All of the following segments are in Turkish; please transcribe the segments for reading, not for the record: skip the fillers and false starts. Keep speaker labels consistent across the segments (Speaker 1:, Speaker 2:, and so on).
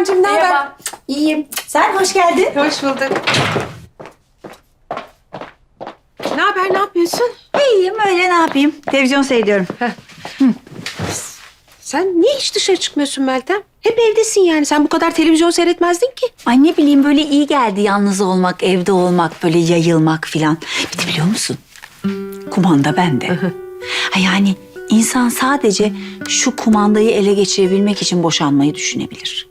Speaker 1: Meltemciğim, ne haber?
Speaker 2: Merhaba. İyiyim. Sen hoş geldin.
Speaker 1: Hoş bulduk. Ne haber, ne yapıyorsun?
Speaker 2: İyiyim öyle ne yapayım? Televizyon seyrediyorum.
Speaker 1: Sen niye hiç dışarı çıkmıyorsun Meltem? Hep evdesin yani. Sen bu kadar televizyon seyretmezdin ki.
Speaker 2: Ay ne bileyim böyle iyi geldi yalnız olmak, evde olmak, böyle yayılmak filan. Bir de biliyor musun? Kumanda bende. Ha yani insan sadece şu kumandayı ele geçirebilmek için boşanmayı düşünebilir.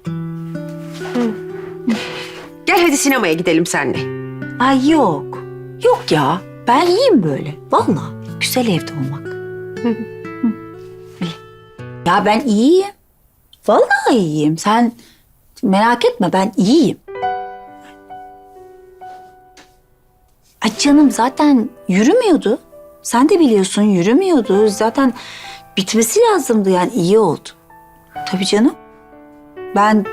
Speaker 1: Gel hadi sinemaya gidelim seninle.
Speaker 2: Ay yok. Yok ya. Ben iyiyim böyle. Vallahi güzel evde olmak. Öyle. Ya ben iyiyim. Vallahi iyiyim. Sen merak etme ben iyiyim. Ay canım zaten yürümüyordu. Sen de biliyorsun yürümüyordu. Zaten bitmesi lazımdı yani iyi oldu. Tabii canım. Ben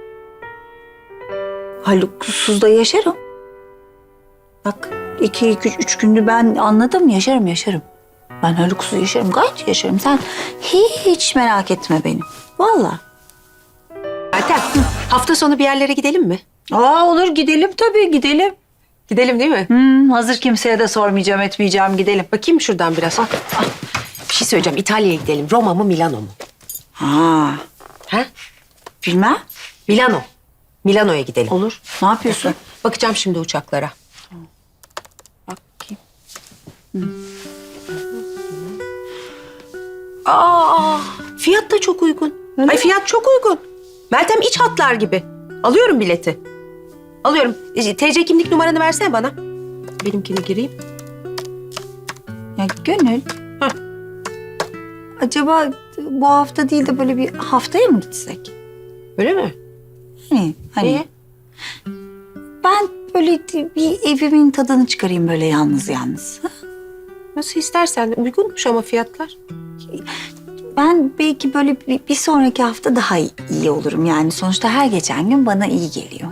Speaker 2: Haluk'suz da yaşarım. Bak 2-3 gündür ben anladım yaşarım. Ben Haluk'suz yaşarım gayet yaşarım. Sen hiç merak etme beni. Vallahi.
Speaker 1: Meltem, hafta sonu bir yerlere gidelim mi?
Speaker 2: Olur gidelim tabii gidelim.
Speaker 1: Gidelim değil mi?
Speaker 2: Hazır kimseye de sormayacağım etmeyeceğim gidelim.
Speaker 1: Bakayım şuradan biraz. Bir şey söyleyeceğim. İtalya'ya gidelim. Roma mı, Milano mu?
Speaker 2: Ha
Speaker 1: Ha?
Speaker 2: bilmem.
Speaker 1: Milano. Milano'ya gidelim.
Speaker 2: Olur. Ne yapıyorsun?
Speaker 1: Bakacağım şimdi uçaklara.
Speaker 2: Bakayım.
Speaker 1: Fiyat da çok uygun. Ay fiyat çok uygun. Meltem iç hatlar gibi. Alıyorum bileti. Alıyorum. TC kimlik numaranı versene bana. Benimkini gireyim.
Speaker 2: Ya Gönül.
Speaker 1: Hah.
Speaker 2: Acaba bu hafta değil de böyle bir haftaya mı gitsek?
Speaker 1: Öyle mi?
Speaker 2: Hani
Speaker 1: Niye?
Speaker 2: ben böyle bir evimin tadını çıkarayım böyle yalnız. Ha?
Speaker 1: Nasıl istersen. Uygunmuş ama fiyatlar.
Speaker 2: Ben belki böyle bir sonraki hafta daha iyi olurum. Yani sonuçta her geçen gün bana iyi geliyor.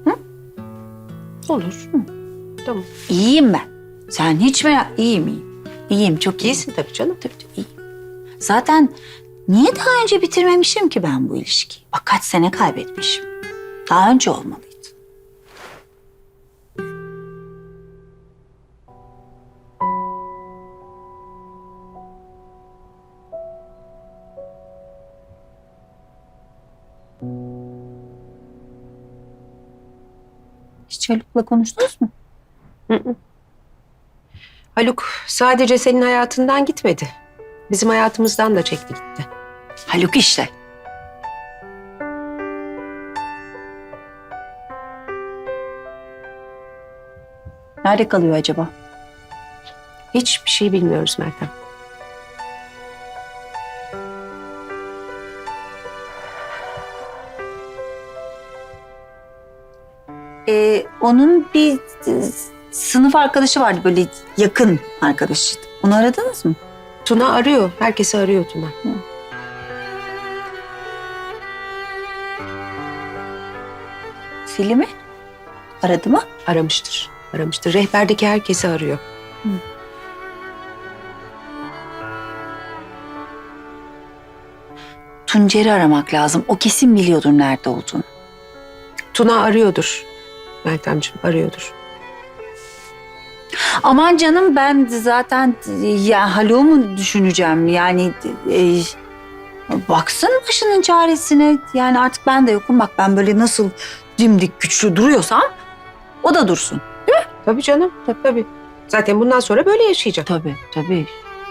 Speaker 1: Olur. Tamam.
Speaker 2: İyiyim ben. Sen hiç merak... İyiyim. İyiyim, çok iyiyim.
Speaker 1: İyisin tabii canım.
Speaker 2: Tabii iyiyim. Zaten niye daha önce bitirmemişim ki ben bu ilişkiyi? Bak kaç sene kaybetmişim. Daha önce olmalıydı. Hiç Haluk'la konuştunuz mu?
Speaker 1: Haluk sadece senin hayatından gitmedi. Bizim hayatımızdan da çekti gitti.
Speaker 2: Haluk işte. Nerede kalıyor acaba?
Speaker 1: Hiçbir şey bilmiyoruz Meltem.
Speaker 2: Onun bir sınıf arkadaşı vardı böyle yakın arkadaşı. Onu aradınız mı?
Speaker 1: Tuna arıyor. Herkesi arıyor Tuna.
Speaker 2: Selim'i aradı mı?
Speaker 1: Aramıştır. Aramıştır. Rehberdeki herkesi arıyor.
Speaker 2: Tuncer'i aramak lazım. O kesin biliyordur nerede olduğunu.
Speaker 1: Tuna arıyordur. Meltemciğim arıyordur.
Speaker 2: Aman canım ben zaten ya Haluk'u mu düşüneceğim? Yani baksın başının çaresine. Yani artık ben de yokum. Bak ben böyle nasıl dimdik güçlü duruyorsam o da dursun.
Speaker 1: Tabii canım. Tabii. Zaten bundan sonra böyle yaşayacak.
Speaker 2: Tabii.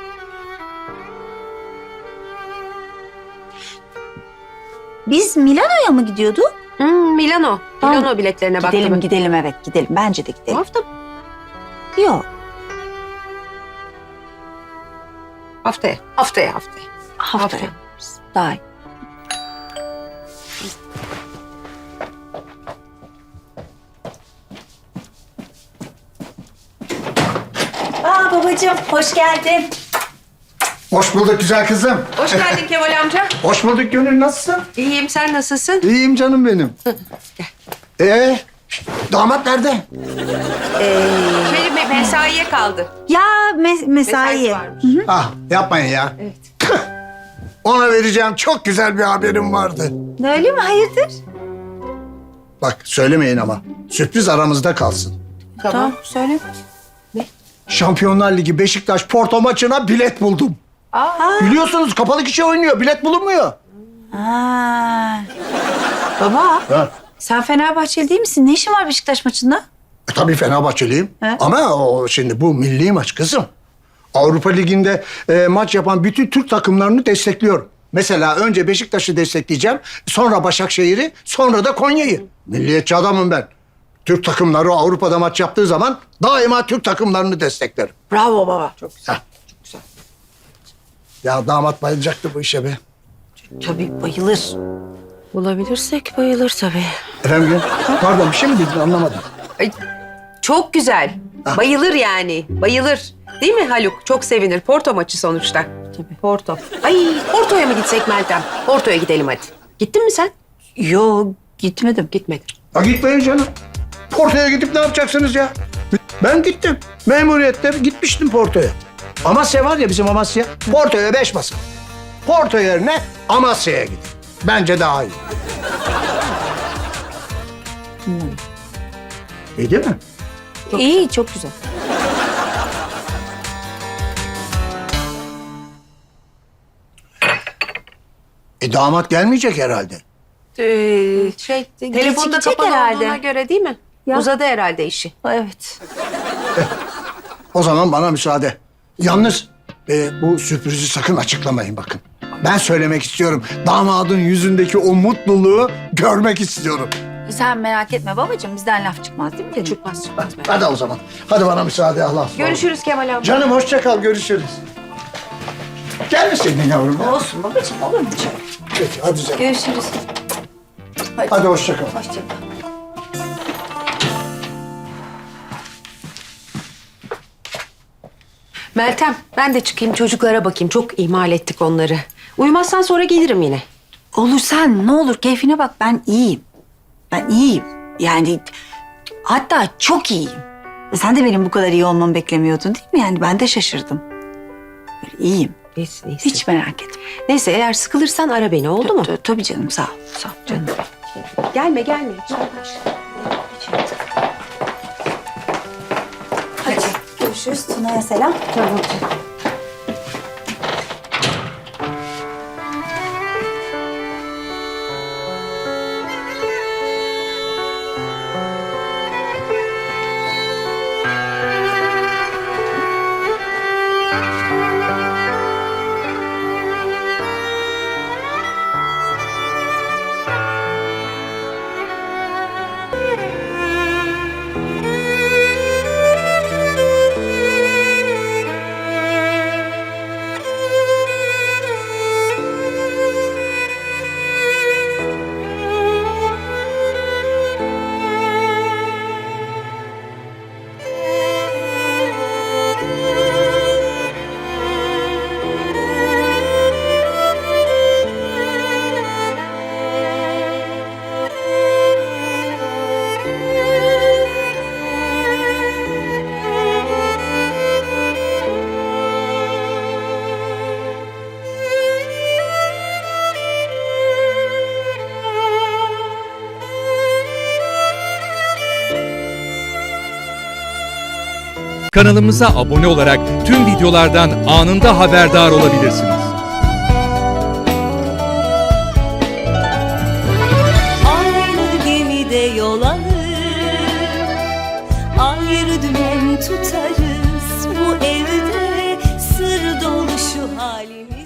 Speaker 2: Biz Milano'ya mı gidiyorduk?
Speaker 1: Milano.
Speaker 2: Tamam.
Speaker 1: Milano biletlerine baktım.
Speaker 2: Gidelim evet gidelim. Bence de
Speaker 1: Bu
Speaker 2: gidelim.
Speaker 1: hafta
Speaker 2: Yok
Speaker 1: haftaya.
Speaker 2: haftaya.
Speaker 1: Haftaya.
Speaker 2: Daha iyi. Babacığım hoş geldin.
Speaker 3: Hoş bulduk güzel kızım.
Speaker 1: Hoş geldin Kemal amca.
Speaker 3: Hoş bulduk Gönül, nasılsın?
Speaker 1: İyiyim, sen nasılsın?
Speaker 3: İyiyim canım benim. Damat nerede?
Speaker 1: Benim mesaiye kaldı.
Speaker 2: Ya
Speaker 1: Mesai
Speaker 2: mesai.
Speaker 1: varmış.
Speaker 3: Ah yapmayın ya.
Speaker 1: Evet.
Speaker 3: Ona vereceğim çok güzel bir haberim vardı.
Speaker 2: Öyle mi? Hayırdır?
Speaker 3: Bak söylemeyin ama. Sürpriz aramızda kalsın.
Speaker 1: Tamam söyle.
Speaker 3: Şampiyonlar Ligi Beşiktaş Porto maçına bilet buldum. Biliyorsunuz kapalı kişi oynuyor. Bilet bulunmuyor.
Speaker 2: Aa. Baba,
Speaker 3: Ha.
Speaker 2: sen Fenerbahçeli değil misin? Ne işin var Beşiktaş maçında?
Speaker 3: Tabii Fenerbahçeliyim.
Speaker 2: He.
Speaker 3: Ama o şimdi bu milli maç kızım. Avrupa Ligi'nde maç yapan bütün Türk takımlarını destekliyorum. Mesela önce Beşiktaş'ı destekleyeceğim. Sonra Başakşehir'i, sonra da Konya'yı. Milliyetçi adamım ben. Türk takımları Avrupa'da maç yaptığı zaman daima Türk takımlarını desteklerim.
Speaker 2: Bravo baba.
Speaker 1: Çok güzel.
Speaker 3: Heh. Ya damat bayılacaktı bu işe be.
Speaker 2: Tabii bayılır.
Speaker 1: Bulabilirsek bayılır tabii.
Speaker 3: Efendim? Pardon bir şey mi dedin anlamadım.
Speaker 1: Ay, çok güzel. Bayılır yani. Bayılır. Değil mi Haluk? Çok sevinir. Porto maçı sonuçta. Tabii. Porto. Ay Porto'ya mı gitsek Meltem? Porto'ya gidelim hadi. Gittin mi sen?
Speaker 2: Yo, gitmedim.
Speaker 1: Gitmedim.
Speaker 3: Ha gitmeyin canım. Porto'ya gidip ne yapacaksınız ya? Ben gittim. Memuriyette gitmiştim Porto'ya. Amasya var ya bizim Amasya. Porto'ya 5 basın. Porto yerine Amasya'ya gidin. Bence daha iyi. İyi değil mi?
Speaker 2: İyi, çok güzel.
Speaker 3: Damat gelmeyecek herhalde.
Speaker 1: Telefonda
Speaker 2: gidecek
Speaker 1: kapalı
Speaker 2: herhalde.
Speaker 1: olduğuna göre değil mi?
Speaker 2: Ya.
Speaker 1: Uzadı herhalde işi.
Speaker 2: Evet.
Speaker 3: O zaman bana müsaade. Yalnız bu sürprizi sakın açıklamayın bakın. Ben söylemek istiyorum. Damadın yüzündeki o mutluluğu görmek istiyorum.
Speaker 2: Sen merak etme babacığım, bizden laf çıkmaz değil mi?
Speaker 1: Çıkmaz çıkmaz.
Speaker 3: Hadi o zaman. Hadi bana müsaade Allah.
Speaker 1: Görüşürüz Kemal abi.
Speaker 3: Canım hoşça kal, görüşürüz. Gelmeseydin yavrum. ya.
Speaker 2: Olsun babacığım, olur mu canım?
Speaker 3: Peki hadi canım.
Speaker 2: Görüşürüz.
Speaker 3: Hadi hoşça kal.
Speaker 2: Hoşça kal.
Speaker 1: Meltem ben de çıkayım çocuklara bakayım. Çok ihmal ettik onları. Uyumazsan sonra gelirim yine.
Speaker 2: Olur sen, ne olur keyfine bak, ben iyiyim. Ben iyiyim. Yani hatta çok iyiyim. Sen de benim bu kadar iyi olmamı beklemiyordun değil mi? Yani ben de şaşırdım. Böyle iyiyim.
Speaker 1: Neyse neyse.
Speaker 2: Hiç merak etme.
Speaker 1: Neyse eğer sıkılırsan ara beni oldu mu?
Speaker 2: Tabii canım, sağ ol. Sağ ol canım.
Speaker 1: Gelme gelme.
Speaker 2: Hadi görüşürüz. Tuna'ya selam.
Speaker 1: Tamam.
Speaker 4: Kanalımıza abone olarak tüm videolardan anında haberdar olabilirsiniz.
Speaker 5: Aynı gemide yol alır, ayrı dümen tutarız. Bu evde sır dolu şu halimiz.